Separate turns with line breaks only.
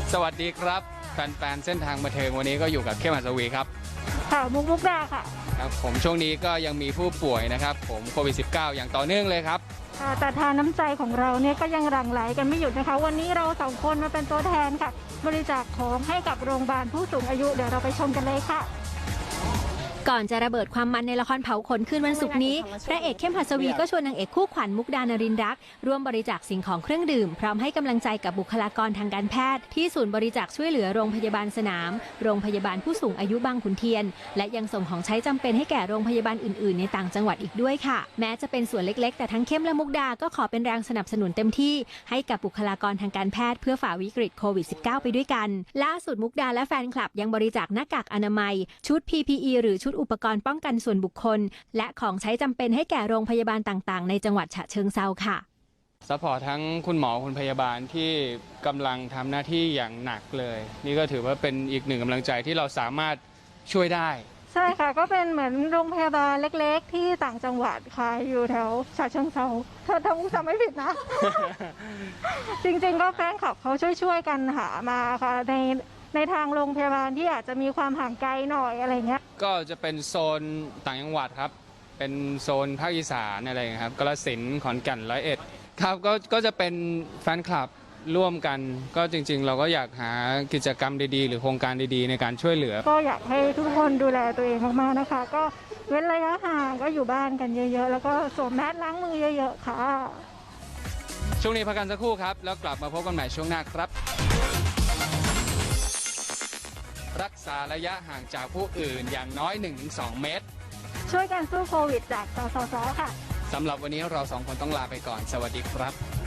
สวัสดีครับแฟนๆเส้นทางบันเทิงวันนี้ก็อยู่กับเข้มหัสวีครับ
ค่ะมุกดาค่ะ
ครับผมช่วงนี้ก็ยังมีผู้ป่วยนะครับผมโควิด -19 อย่างต่อเนื่องเลยครับ
แต่ทานน้ำใจของเราเนี่ยก็ยังหลั่งไหลกันไม่หยุดนะคะวันนี้เราสองคนมาเป็นตัวแทนค่ะบริจาคของให้กับโรงพยาบาลผู้สูงอายุเดี๋ยวเราไปชมกันเลยค่ะ
ก่อนจะระเบิดความมันในละครเผาขนคืนวันศุกร์นี้พระเอกเข้มหัสวีก็ชวนนางเอกคู่ขวัญมุกดานรินทร์รักร่วมบริจาคสิ่งของเครื่องดื่มพร้อมให้กำลังใจกับบุคลากรทางการแพทย์ที่ศูนย์บริจาคช่วยเหลือโรงพยาบาลสนามโรงพยาบาลผู้สูงอายุบางขุนเทียนและยังส่งของใช้จำเป็นให้แก่โรงพยาบาลอื่นๆในต่างจังหวัดอีกด้วยค่ะแม้จะเป็นส่วนเล็กๆแต่ทั้งเข้มและมุกดาก็ขอเป็นแรงสนับสนุนเต็มที่ให้กับบุคลากรทางการแพทย์เพื่อฝ่าวิกฤตโควิด -19 ไปด้วยกันล่าสุดมุกดาและแฟนคลับยังบริจาคหน้ากากอนามัยชุด PPE หรือชุดอุปกรณ์ป้องกันส่วนบุคคลและของใช้จำเป็นให้แก่โรงพยาบาลต่างๆในจังหวัดฉะเชิงเทราค่ะ
ซัพพอร์ตทั้งคุณหมอคุณพยาบาลที่กำลังทำหน้าที่อย่างหนักเลยนี่ก็ถือว่าเป็นอีกหนึ่งกำลังใจที่เราสามารถช่วยได้
ใช่ค่ะก็เป็นเหมือนโรงพยาบาลเล็กๆที่ต่างจังหวัดค่ะอยู่แถวฉะเชิงเทราถ้ามุกจำไม่ผิดนะ จริงๆก็แฟนคลับเขาช่วยกันหามาค่ะในทางโรงพยาบาลที่อาจจะมีความห่างไกลหน่อยอะไรเงี้ย
ก็จะเป็นโซนต่างจังหวัดครับเป็นโซนภาคอีสานอะไรอย่างเงี้ยครับกาฬสินธุ์ขอนแก่น101ครับก็จะเป็นแฟนคลับร่วมกันก็จริงๆเราก็อยากหากิจกรรมดีๆหรือโครงการดีๆในการช่วยเหลือ
ก็อยากให้ทุกคนดูแลตัวเองมากๆนะคะก็เว้นระยะห่างก็อยู่บ้านกันเยอะๆแล้วก็สวมแมสล้างมือเยอะๆค่ะ
ช่วงนี้พักกันสักครู่ครับแล้วกลับมาพบกันใหม่ช่วงหน้าครับรักษาระยะห่างจากผู้อื่นอย่างน้อย 1-2 เมตร
ช่วยกันสู้โควิดจากสสสค่ะ
สำหรับวันนี้เราสองคนต้องลาไปก่อนสวัสดีครับ